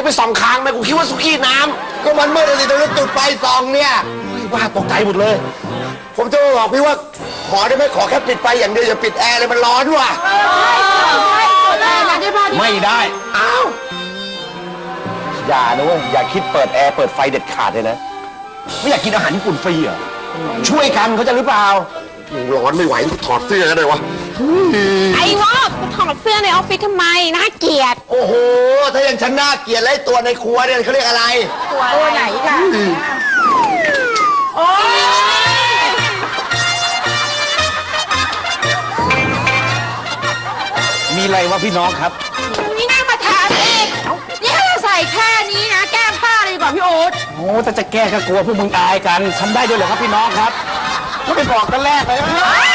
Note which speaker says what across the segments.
Speaker 1: ไปส่องคางไหมกูคิดว่าสุกี้น้ำก็มันมืดเลยตรงนั้นจุดไฟส่องเนี่ยว่าตกใจหมดเลยผมจะบอกพี่ว่าขอได้ไหมขอแค่ปิดไฟอย่างเดียวอย่าปิดแอร์เลยมันร้อนว่ะไม่ได้อ้าวอย่านะเว้ยอย่าคิดเปิดแอร์เปิดไฟเด็ดขาดเลยนะไม่อยากกินอาหารญี่ปุ่นฟรีเหรอช่วยกันเขาจะหรือเปล่าร้อนไม่ไหวถอดเสื้อกันเลยวะ
Speaker 2: ไอ้วอกถอดเสื้อในออฟฟิศทำไมน่าเกลียด
Speaker 1: โอ้โหถ้าอย่างฉันน่าเกลียดไล่ตัวในครัวเนี่ยเขาเรียกอะไร
Speaker 2: ตัวไหนค่ะโอ้ย
Speaker 3: มีอะไรวะพี่น้องครับ
Speaker 2: นี่น่ามาถามเองนี่ถ้าเราใส่แค่นี้นะแก้มผ้าเลยดีกว่าพี่โอ๊ต
Speaker 3: โอ้แต่จะแก้ก็กลัวพวกมึงอายกันทำได้ด้วยเหรอครับพี่น้องครับก็ไปบอกกันแรกเลย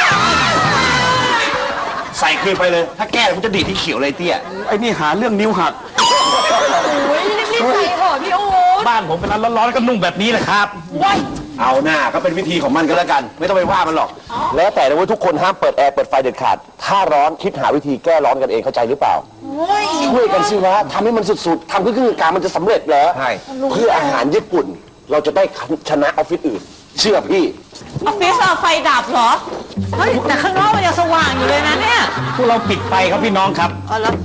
Speaker 3: ใส่คืนไปเลยถ้าแก้ผมจะดีดที่เขียวเลยเตี้ยไอ้นี่หาเรื่องนิ้วหัก
Speaker 2: โอ้ยรีบใส่เถอะพี่โอ๊ต
Speaker 3: บ้านผมเป็นร้านร้อนๆก็นุ่งแบบนี้แหละครับเอาหน้าก็เป็นวิธีของมันก็แล้วกันไม่ต้องไปว่ามันหรอก
Speaker 1: แล้วแต่นะว่าทุกคนห้ามเปิดแอร์เปิดไฟเด็ดขาดถ้าร้อนคิดหาวิธีแก้ร้อนกันเองเข้าใจหรือเปล่าช่วยกันสิวะทำให้มันสุดๆทำเพื่อการมันจะสำเร็จเหรอใช่เพื่ออาหารญี่ปุ่นเราจะได้ชนะออฟฟิศอื่นเชื่อพี่
Speaker 2: ออฟฟิศไฟดับเหรอเฮ้ยแต่ข้างนอกมันยังสว่างอยู่เลยนะเนี่ย
Speaker 3: พวกเราปิดไฟครับพี่น้องครับ
Speaker 2: อ๋อแล้ว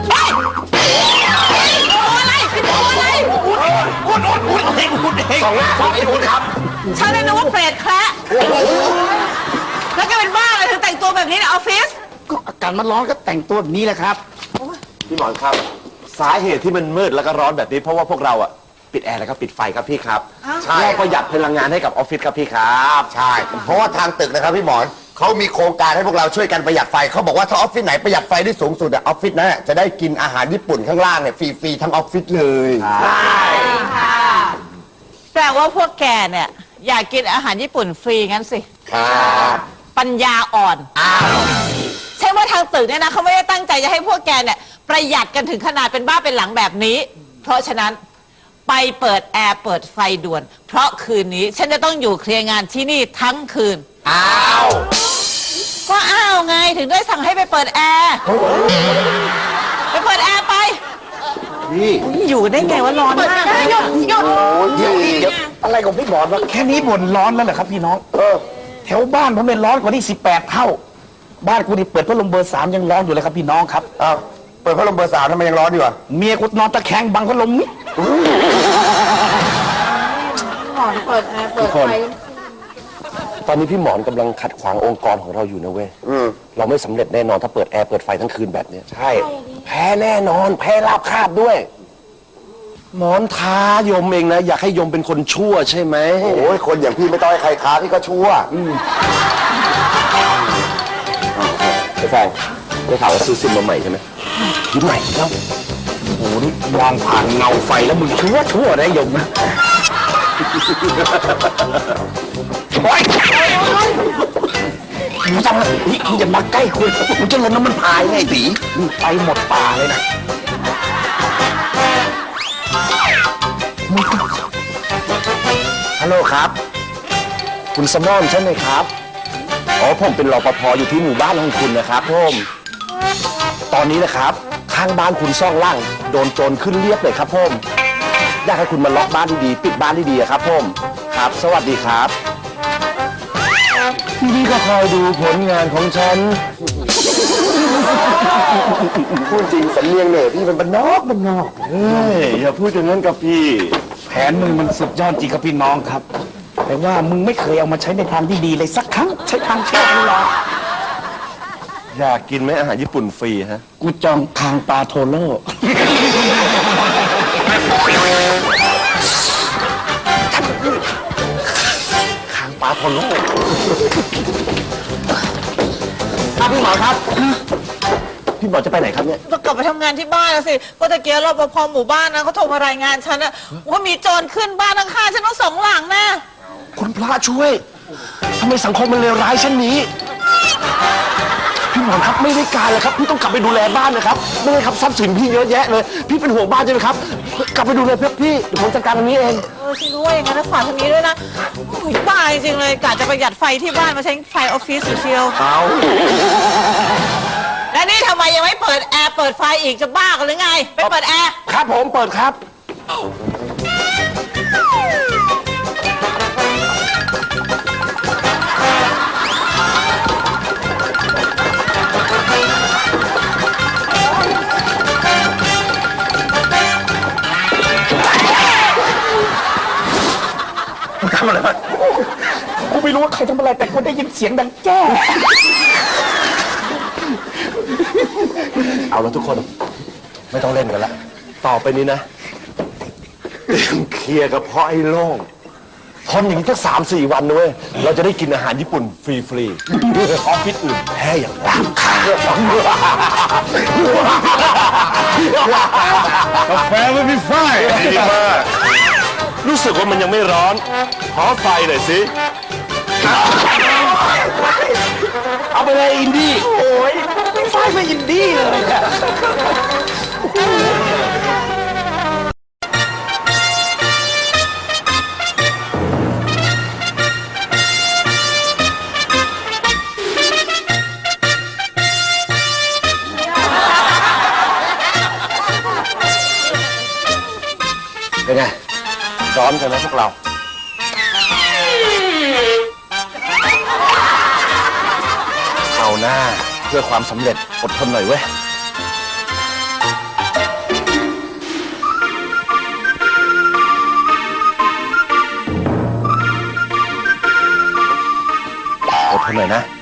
Speaker 2: อะไรเป็นตัวอะไร
Speaker 3: อุดเอง
Speaker 1: สองหน้าครับไอ้คุณครับ
Speaker 2: ฉันเลยนึกว่าเปรตแคระแล้วก็เป็นบ้าอะไรถึงแต่งตัวแบบนี้ในออฟฟิศ
Speaker 3: ก็อากาศมันร้อนก็แต่งตัวแบบนี้แหละครับ
Speaker 1: พี่หมอนครับสาเหตุที่มันมืดแล้วก็ร้อนแบบนี้เพราะว่าพวกเราอะปิดแอร์แล้วก็ปิดไฟครับพี่ครับใช่ประหยัดพลังงานให้กับออฟฟิศครับพี่ครับใช่เพราะว่าทางตึกนะครับพี่หมอนเขามีโครงการให้พวกเราช่วยกันประหยัดไฟเขาบอกว่าถ้าออฟฟิศไหนประหยัดไฟได้สูงสุดอะออฟฟิศนั้นจะได้กินอาหารญี่ปุ่นข้างล่างเนี่ยฟรีๆทั้งออฟฟิศเลย
Speaker 2: ใช่ค่ะแต่ว่าพวกแกเนี่ยอยากกินอาหารญี่ปุ่นฟรีงั้นสิ
Speaker 1: ครับ
Speaker 2: ปัญญาอ่อนใช่ว่าทางตึกเนี่ยนะเขาไม่ได้ตั้งใจจะให้พวกแกเนี่ยประหยัดกันถึงขนาดเป็นบ้าเป็นหลังแบบนี้เพราะฉะนั้นไปเปิดแอร์เปิดไฟด่วนเพราะคืนนี้ฉันจะต้องอยู่เคลียร์งานที่นี่ทั้งคืน
Speaker 1: อ้าว
Speaker 2: ก็อ้าวไงถึงได้สั่งให้ไปเปิดแอร์ไปเปิดแอร์ไป
Speaker 1: นี่
Speaker 2: อยู่ได้ไงว่าร้อนมากหยุด
Speaker 1: เดี๋ยวอะไรของพี่หมอนวะ
Speaker 3: แค่นี้บ่นร้อนแล้วเหรอครับพี่น้องแถวบ้านผมเป็นร้อนกว่าที่18 เท่าบ้านกูนี่เปิดพัดลมเบอร์ 3ยังร้อนอยู่เลยครับพี่น้องครับ
Speaker 1: อ้าวเปิดพัดลมเบอร์ 3ทำไมยังร้อนอยู่อะ
Speaker 3: เมียกูนอนตะแคงบังพัดลมนี่
Speaker 2: หมอนเปิดแอร์เปิดไฟ
Speaker 1: ตอนนี้พี่หมอนกำลังขัดขวางองค์กรของเราอยู่นะเว้ยเราไม่สำเร็จแน่นอนถ้าเปิดแอร์เปิดไฟทั้งคืนแบบนี้ใช่แพ้แน่นอนแพ้ราบคาบด้วยหมอนท้ายมเองนะอยากให้ยมเป็นคนชั่วใช่ไหมโอ้ยคนอย่างพี่ไม่ต้องให้ใครท้าพี่ก็ชั่วไอ้แฟนได้ข่าวว่าซื้อซิมมาใหม่ใช่ไหมยิ้มใหม่แล้ว
Speaker 3: โอ้โหนี่มองผ่านเงาไฟแล้วมึงชั่วได้ยมนะโอ๊ยมึงจำนะนี่มึงอย่ามาใกล้คุยมึงจะลนน้ำมันพายไงตีมึงไปหมดป่าเลยนะฮัลโหลครับคุณสมอนใช่ไหมครับอ๋อผมเป็นรปภอยู่ที่หมู่บ้านของคุณนะครับผมตอนนี้นะครับข้างบ้านคุณซ่องล่างโดนโจรขึ้นเรียบเลยครับผมอยากให้คุณมาล็อกบ้านดีๆปิดบ้านดีๆครับผมครับสวัสดีครับพี่ก็คอยดูผลงานของฉันพูดจริงสำเนียงเนี่ยพี่เป็นบ้านนอกเฮ้ยอย่าพูดอย่างนั้นกับพี่แผนมึงมันสุดยอดจริงครับพี่น้องครับแต่ว่ามึงไม่เคยเอามาใช้ในทางที่ดีเลยสักครั้งใช้ทางชั่วตลอดอยากกินไหมอาหารญี่ปุ่นฟรีฮะกูจองคางปลาโทโร่คางปลาโทโร่ครับพี่หมอครับพี่หมอจะไปไหนครับเนี่ย
Speaker 2: จะกลับไปทำงานที่บ้านแล้วสิก็ตะเกียบรปภหมู่บ้านนะเขาโทรมารายงานฉันนะว่ามีโจรขึ้นบ้านข้างๆฉันต้อง2 หลังนะ
Speaker 1: คุณพระช่วยทำไมสังคมมันเลวร้ายเช่นนี้พี่หมอครับไม่ได้การเลยครับพี่ต้องกลับไปดูแลบ้านนะครับไม่ได้ครับทรัพย์สินพี่เยอะแยะเลยพี่เป็นห่วงบ้านใช่ไหมครับกลับไปดูแลพี่เดี๋ยวผมจัดการตรงนี้เอง
Speaker 2: ฉันรู้ว่าอย่างนั้นนะฝากทางนี้ด้วยนะบ้าจริงเลยกะจะประหยัดไฟที่บ้านมาใช้ไฟออฟฟิศเชียว
Speaker 1: เอา
Speaker 2: และนี่ทำไมยังไม่เปิดแอร์เปิดไฟอีกจะบ้ากันหรือไงไปเปิดแอร์
Speaker 1: ครับผมเปิดครับ
Speaker 3: ทำอะไรมากูไม่รู้ว่าใครทำอะไรแต่กูได้ยินเสียงดังแจ้ เอาแล้วทุกคนไม่ต้องเล่นกันละต่อไปนี้นะเตรียมเคลียร์กับพ่อไอ้โล่งทนอย่างนี้สัก3-4 วันนะเว้ยเราจะได้กินอาหารญี่ปุ่นฟรีๆออฟฟิศอื่นแพ้อย่างราคากาแฟไม่มีไฟดีมากรู้สึกว่ามันยังไม่ร้อนขอไฟหน่อยสิเอาไปเลยอินดี้โอ้ยไม่ไฟไม่อินดี้เลยอะเป็นไงร้อนกันไหมพวกเราเอาหน้าเพื่อความสำเร็จอดทนหน่อยเว้ยอดทนหน่อยนะ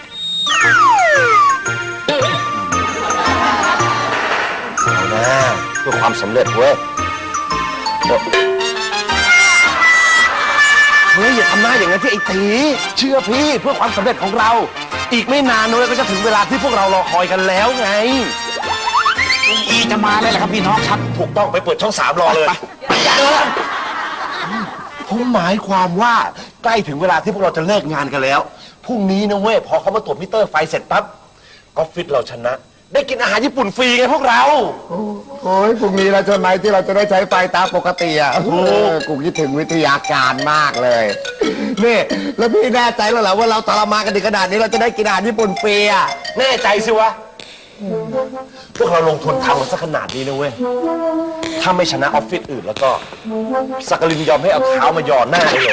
Speaker 3: เอาหน้าเพื่อความสำเร็จเว้ยเฮ้ยอย่าทำหน้าอย่างนั้นที่ไอ้ตีเชื่อพี่เพื่อความสำเร็จของเรา อีกไม่นานนู้นก็จะถึงเวลาที่พวกเรารอคอยกันแล้วไงอีจะมาเลยแหละครับพี่น้องครับถูกต้องไปเปิดช่อง3รอเลยผมหมายความว่าใกล้ถึงเวลาที่พวกเราจะเลิกงานกันแล้วพรุ่งนี้นะเว้ยพอเขามาตรวจมิเตอร์ไฟเสร็จปั๊บออฟฟิศเราชนะ ได้กินอาหารญี่ปุ่นฟรีไงพวกเรา
Speaker 4: โอ้ยพรุ่งนี้เราจะไหนที่เราจะได้ใช้ไฟตามปกติอ่ะกูคิดถึงวิทยาการมากเลยนี่แล้วพี่แน่ใจแล้วเหรอว่าเราทรมานกันถึงขนาดนี้เราจะได้กินอาหารญี่ปุ่นฟรีอ่ะ
Speaker 3: แน่ใจสิวะพวกเราลงทุนทำมันซะขนาดนี้นะเว้ยถ้าไม่ชนะออฟฟิศอื่นแล้วก็สักกลินยอมให้เอาเท้ามาหย่อนหน้าได้เลย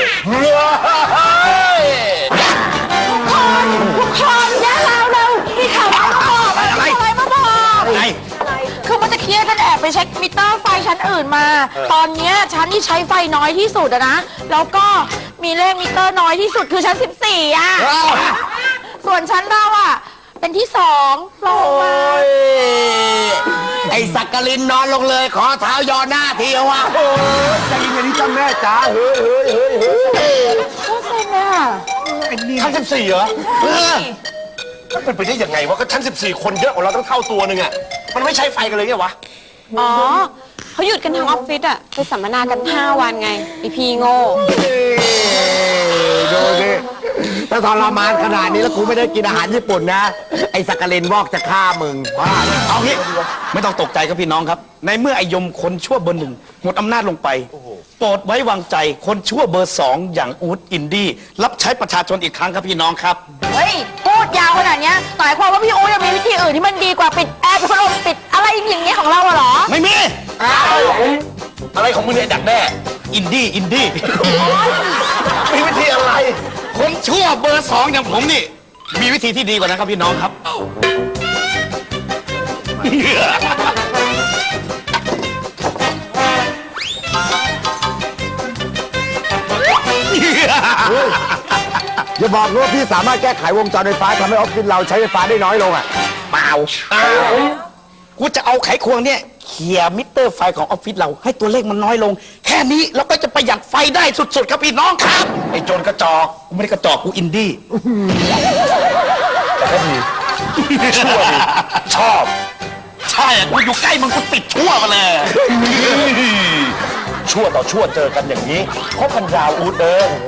Speaker 2: ทุกคนอย่าเรามีข่าวมาบอกอะไรมาบอกอะไรคือมันจะเครียดกันแอบไปเช็คมิเตอร์ไฟชั้นอื่นมา ตอนเนี้ยชั้นที่ใช้ไฟน้อยที่สุดอะนะแล้วก็มีเลขมิเตอร์น้อยที่สุดคือชั้น14อะส่วนชั้นเราอะเป็นที่2ลงมา
Speaker 4: ไอ้สักกลินนอนลงเลยขอเท้ายอหน้าทีวะ
Speaker 3: ใจเย็นๆจ้าแม่จ๋าเฮ้ย
Speaker 2: โคตรเซ็งอะ
Speaker 3: ชั้น14เหรอมันเป็นไปได้ยังไงวะก็ชั้น14คนเยอะกว่าเราตั้งเท่าตัวนึงอะมันไม่ใช้ไฟกันเลยไงวะ
Speaker 5: อ๋อเขาหยุดกันทั้งออฟฟิศอะไปสัมมนากัน5 วันไงอีพีโง่
Speaker 4: ดูสิถ้าทรมานขนาดนี้แล้วกูไม่ได้กินอาหารญี่ปุ่นนะไอ้สักกลินวอกจะฆ่ามึงบ้า
Speaker 6: เอางี้ไม่ต้องตกใจครับพี่น้องครับในเมื่อไอยมคนชั่วเบอร์ 1หมดอำนาจลงไปโปรดไว้วางใจคนชั่วเบอร์ 2อย่างอู๊ดอินดี้รับใช้ประชาชนอีกครั้งครับพี่น้องครับ
Speaker 2: เฮ้ยพูดยาวขนาดเนี้ยหมายความว่าพี่อู๋ยังมีวิธีอื่นที่มันดีกว่าปิดแอร์ปิดพัดลมปิดอะไรอย่างเงี้ยของเราเหรอ
Speaker 6: ไม่มี
Speaker 3: อะไรของมึงเนี่ยดักแด้
Speaker 6: อินดี้
Speaker 3: มีวิธีอะไร
Speaker 6: คนชั่วเบอร์ 2อย่างผมนี่มีวิธีที่ดีกว่านั้นครับพี่น้องครับ
Speaker 4: อย่าบอกว่าพี่สามารถแก้ไขวงจรไฟฟ้าทำให้ออฟฟิศเราใช้ไฟฟ้าได้น้อยลงอ่ะ
Speaker 6: เปล่ากูจะเอาไขควงเนี่ยเขี่ยมิเตอร์ไฟของออฟฟิศเราให้ตัวเลขมันน้อยลงแค่นี้เราก็จะประหยัดไฟได้สุดๆครับพี่น้องครับ
Speaker 3: ไอ้โจรกระจอก
Speaker 6: กูไม่ได้กระจอกกูอินดี้
Speaker 3: แต่ก็ดีชั่วดีชอบ
Speaker 6: ใช่กูอยู่ใกล้มึงกูติดชั่วมาเลย
Speaker 3: ชั่วต่อชั่วเจอกันอย่างนี้คบกันยาวอูด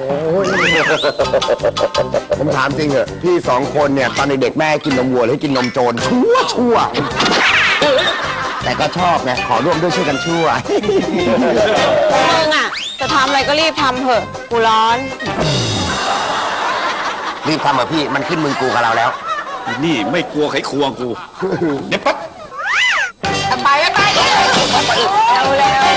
Speaker 4: ผมถามจริงเหรอพี่2 คนเนี่ยตอนเด็กๆแม่กินนมวัวหรือกินนมโจรชั่วแต่ก็ชอบไงขอร่วมด้วยช่วยกันชั่ว
Speaker 5: มึงอะจะทำอะไรก็รีบทำเถอะกูร้อน
Speaker 4: รีบทำเหรอพี่มันขึ้นมึงกูกับเราแล้ว
Speaker 6: นี่ไม่กลัวไขควงกูเดี๋ยวปั๊บ
Speaker 2: ไปเร็ว